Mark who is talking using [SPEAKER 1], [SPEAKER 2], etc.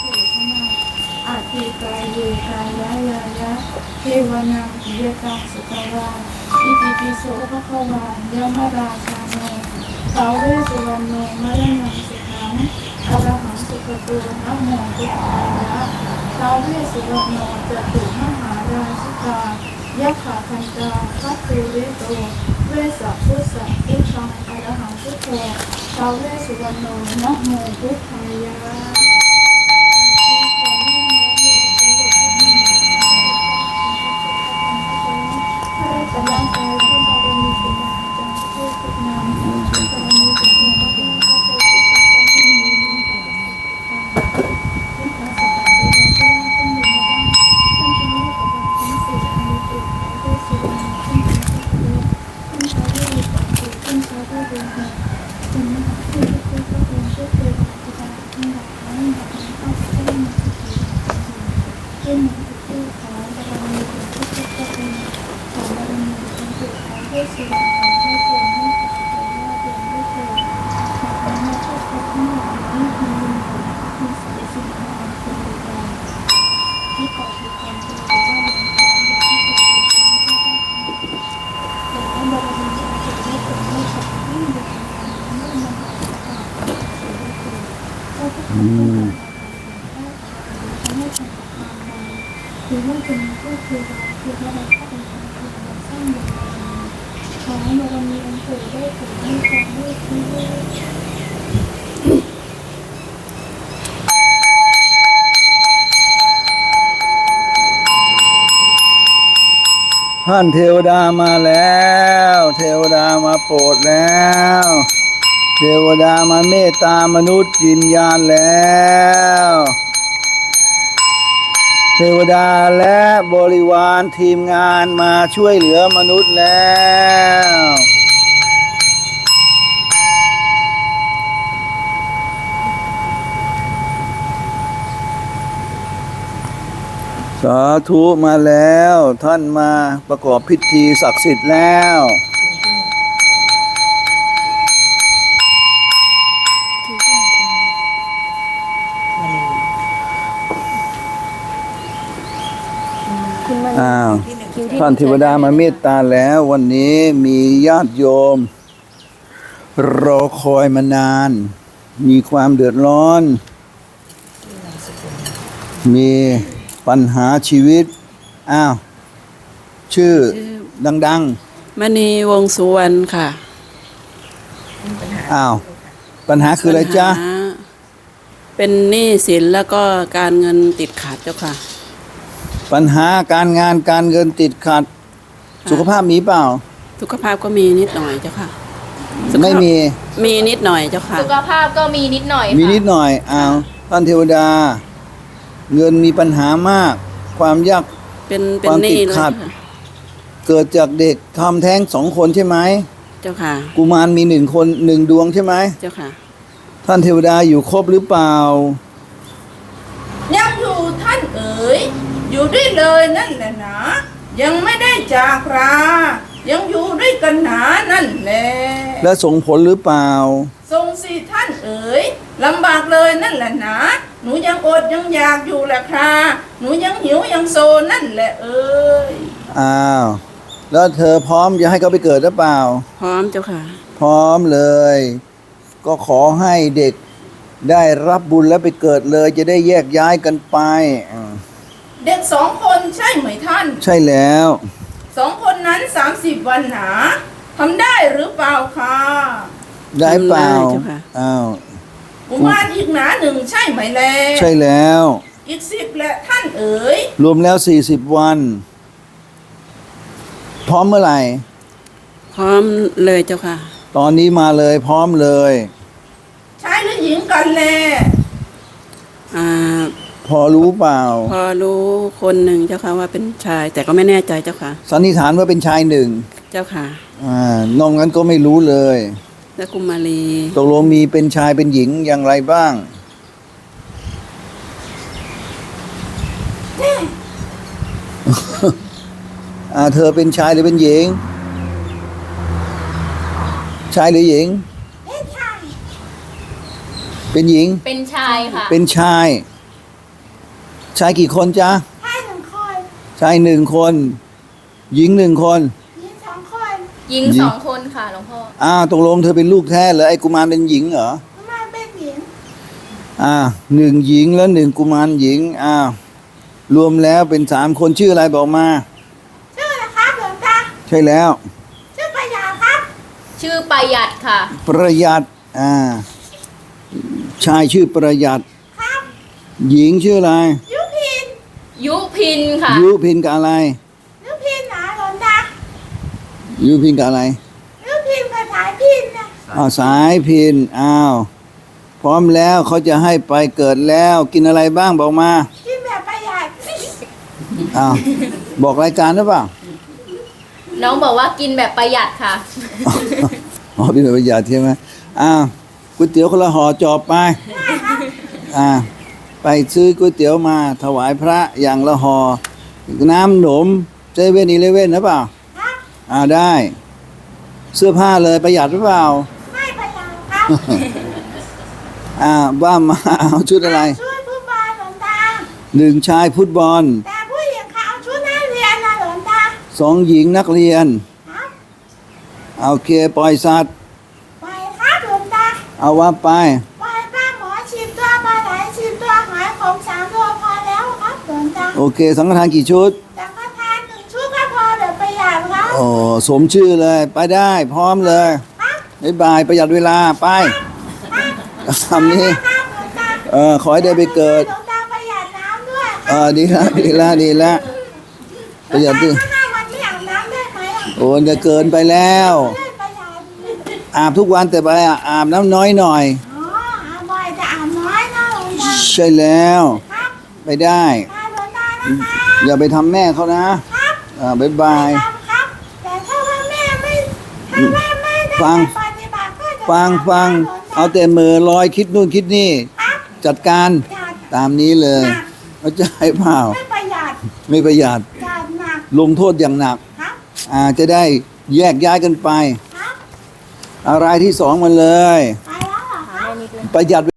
[SPEAKER 1] อาทิกายเยกายายายะเทวนาปิยตังสุตวาอิติปิโสภะคะวายะมะราชาโนท้าวเวสสุวรรณโนมะระนังสิกขังอะระหังสุขโตนะโมพุทธายะท้าวเวสสุวรรณโนจตุมหาราชิกายะขาคันตาคัตเตเวโตเวสะพุทธะพุทธังอะระหังพุทโธท้าวเวสสุวรรณโนนะโมพุทธายะคือว่าเป็นก็คือว่าเราเข้าไปทำคือเราสร้างอย่างขอให้เรามีอันเกิดได้ผลให้ความด้วยที่
[SPEAKER 2] ท่านเทวดามาแล้วเทวดามาโปรดแล้วเทวดามาเมตตามนุษย์วิญญาณแล้วเทวดาและบริวารทีมงานมาช่วยเหลือมนุษย์แล้วสาธุมาแล้วท่านมาประกอบพิธีศักดิ์สิทธิ์แล้วอ้าวท่านเทวดามาเมตตาแล้ววันนี้มีญาติโยมรอคอยมานานมีความเดือดร้อนมีปัญหาชีวิตอ้าวชื่อดัง
[SPEAKER 3] มณีวงสุวรรณค่ะ
[SPEAKER 2] อ้าวปัญหาคืออะไรจ๊ะ
[SPEAKER 3] เป็นหนี้สินแล้วก็การเงินติดขัดเจ้าค่ะ
[SPEAKER 2] ปัญหาการงานการเงินติดขัดสุขภาพมีเปล่า
[SPEAKER 3] สุขภาพก็มีนิดหน่อยเจ้าค่ะ
[SPEAKER 2] ไม่
[SPEAKER 3] มีนิดหน่อยเจ้าค่ะ
[SPEAKER 4] สุขภาพก็มีนิดหน่อย
[SPEAKER 2] มีนิดหน่อยอ้าวท่านเทวดาเงินมีปัญหามากความยาก
[SPEAKER 3] เป็น
[SPEAKER 2] ความติดขัดเกิดจากเด็กทำแท้ง2 คนใช่ไหม
[SPEAKER 3] เจ้าค่ะ
[SPEAKER 2] กุมารมี1 คน1 ดวงใช่ไหม
[SPEAKER 3] เจ้าค่ะ
[SPEAKER 2] ท่านเทวดาอยู่ครบหรือเปล่า
[SPEAKER 1] ยังอยู่ท่านเอ๋ยอยู่ด้วยเลยนั่นแหละนะยังไม่ได้จากรายังอยู่ด้วยกันหนานั่นแหละ
[SPEAKER 2] และส่งผลหรือเปล่า
[SPEAKER 1] ส่งสิท่านเอ๋ยลำบากเลยนั่นแหละนะหนูยังอดยังอยากอยู่แหละค่ะหนูยังหิวยังโซนั่นแหละเอ๋ย
[SPEAKER 2] อ้าวแล้วเธอพร้อมจะให้เขาไปเกิดหรือเปล่า
[SPEAKER 3] พร้อมเจ้าค่ะ
[SPEAKER 2] พร้อมเลยก็ขอให้เด็กได้รับบุญแล้วไปเกิดเลยจะได้แยกย้ายกันไป
[SPEAKER 1] เด็ก2 คนใช่ไหมท่าน
[SPEAKER 2] ใช่แล้ว
[SPEAKER 1] 2 คนนั้น30 วันหนาทำได้หรือเปล่าคะ
[SPEAKER 2] ได้เปล่าอ้าว
[SPEAKER 1] กุมารอีกหนา1ใช่ไหมแล
[SPEAKER 2] ใช่แล้ว
[SPEAKER 1] อีก10แหละท่านเอ๋ย
[SPEAKER 2] รวมแล้ว40 วันพร้อมเมื่อไหร่
[SPEAKER 3] พร้อมเลยเจ้าค่ะ
[SPEAKER 2] ตอนนี้มาเลยพร้อมเลย
[SPEAKER 1] ชายหรือหญิงกันแล
[SPEAKER 2] พอรู้เปล่า
[SPEAKER 3] พอรู้คนหนึ่งเจ้าค่ะว่าเป็นชายแต่ก็ไม่แน่ใจเจ้าค่ะ
[SPEAKER 2] สันนิษฐานว่าเป็นชาย1
[SPEAKER 3] เจ้าค่ะ
[SPEAKER 2] นอกนั้นก็ไม่รู้เลย
[SPEAKER 3] และกุมารี
[SPEAKER 2] ตกลงมีเป็นชายเป็นหญิงอย่างไรบ้างเธอเป็นชายหรือเป็นหญิงชายหรือหญิง
[SPEAKER 4] เป็นหญิงเป็นชายค่ะ
[SPEAKER 2] เป็นชายชายกี่คนจ๊ะ
[SPEAKER 1] ให้หนึ่งคน
[SPEAKER 2] ชายหนึ่งคน หญิงหนึ่งคน
[SPEAKER 1] ยิงสองคน
[SPEAKER 4] หญิงสองคนค่ะหลวงพ่อ
[SPEAKER 2] ตกลงเธอเป็นลูกแท้เหรอไอ้กุมารเป็นหญิงเหรอ
[SPEAKER 1] มาเป็นหญิง
[SPEAKER 2] หนึ่งหญิงแล้วหนึ่งกุมารหญิงรวมแล้วเป็น3 คนชื่ออะไรบอกมา
[SPEAKER 1] ชื่อนะครับหลวงตา
[SPEAKER 2] ใช่แล้ว
[SPEAKER 1] ชื่อประหยัดครับ
[SPEAKER 4] ชื่อประหยัดค่ะ
[SPEAKER 2] ประหยัดชายชื่อประหยัด
[SPEAKER 1] ครับ
[SPEAKER 2] หญิงชื่ออะไร
[SPEAKER 1] ยุพิน
[SPEAKER 4] ยุพินค่ะ
[SPEAKER 2] ยุพินกับอะไร
[SPEAKER 1] ยุพินหนาหลวงตา
[SPEAKER 2] ยุพินกับอะไร
[SPEAKER 1] ยุพินกับสายพินนะ
[SPEAKER 2] สายพินพร้อมแล้วเขาจะให้ไปเกิดแล้วกินอะไรบ้างบอกมา
[SPEAKER 1] กินแบบประหยัด
[SPEAKER 2] บอกรายการหรือเปล่า
[SPEAKER 4] น้องบอกว่ากินแบบประหยัดค่ะ
[SPEAKER 2] เป็นประหยัดใช่ไหมก๋วยเตี๋ยวคนละห่อจอบไปไปซื้อก๋วยเตี๋ยวมาถวายพระอย่างละห่อน้ำหนม7-11นะเปล่า
[SPEAKER 1] ครับ
[SPEAKER 2] ได้ เสื้อผ้าเลยประหยัดหรือเปล่า
[SPEAKER 1] ไม่ประหยัดครับ
[SPEAKER 2] ว่ามาเอาชุดอะไร
[SPEAKER 1] ช่วยผู้บาหลวงตา
[SPEAKER 2] 1 ชายฟุตบอล
[SPEAKER 1] แต่ผู้หญิงเขาเอาชุดนักเรียนนะหลวงตา
[SPEAKER 2] 2 หญิงนักเรียน
[SPEAKER 1] ครับ
[SPEAKER 2] โอเคปล่อยสัตว์
[SPEAKER 1] ไปครับหลวงตา
[SPEAKER 2] เอาว่าไป
[SPEAKER 1] ไปป้าหมอ10 ตัวปลาไหล10 ตัวหอยขม3 ตัวพอแล้วครับหลวงตา
[SPEAKER 2] โอเคสังฆทานกี่ชุด
[SPEAKER 1] แต่ก็ทาน1 ชุดก็พอเดี๋ยวประหยัดครับ
[SPEAKER 2] โอ้สมชื่อเลยไปได้พร้อมเลย
[SPEAKER 1] ครับ
[SPEAKER 2] บ๊ายบายประหยัดเวลาไปคำนี้
[SPEAKER 1] ครับหลวงตา
[SPEAKER 2] ขอให้ได้ไปเกิด
[SPEAKER 1] หลวงตาประหยัดน้ำด้วยครับ
[SPEAKER 2] ดีละประหยัดดิ
[SPEAKER 1] ถ้า5 วันไม่อาบน้ำได้ไหมอ่ะ
[SPEAKER 2] โอ้จะเกินไปแล้ว
[SPEAKER 1] ไม่ประหยัด
[SPEAKER 2] อาบทุกวันแต่ไปอาบน้ำน้อยหน่อย
[SPEAKER 1] อ๋ออาบบ่อยแต่อาบน้อยนะหลวงตา
[SPEAKER 2] ใช่แล้ว
[SPEAKER 1] ครับ
[SPEAKER 2] ไปได้
[SPEAKER 1] มาหลวงตานะคะ
[SPEAKER 2] อย่าไปทำแม่เขานะครับบ๊ายบาย
[SPEAKER 1] ครับครับ แต่ถ้าว่าแม่ไม่ถ้าแม่ไม่ได้
[SPEAKER 2] ฟัง
[SPEAKER 1] ปฏิบัติก็จะ
[SPEAKER 2] ฟังเอาแต่มือลอยคิดนู่นคิดนี่
[SPEAKER 1] ครับ
[SPEAKER 2] จัดการ
[SPEAKER 1] จัด
[SPEAKER 2] ตามนี้เลยเข้าใจเปล่า
[SPEAKER 1] ไม่ประหยัด
[SPEAKER 2] ไม่ประหยัด
[SPEAKER 1] จัดหนัก
[SPEAKER 2] ลงโทษอย่างหนัก
[SPEAKER 1] ครับ
[SPEAKER 2] จะได้แยกย้ายกันไป
[SPEAKER 1] ครับ
[SPEAKER 2] อะไรที่2มันเลย
[SPEAKER 1] ไปแล้วเหรอครับ
[SPEAKER 2] ประหยัด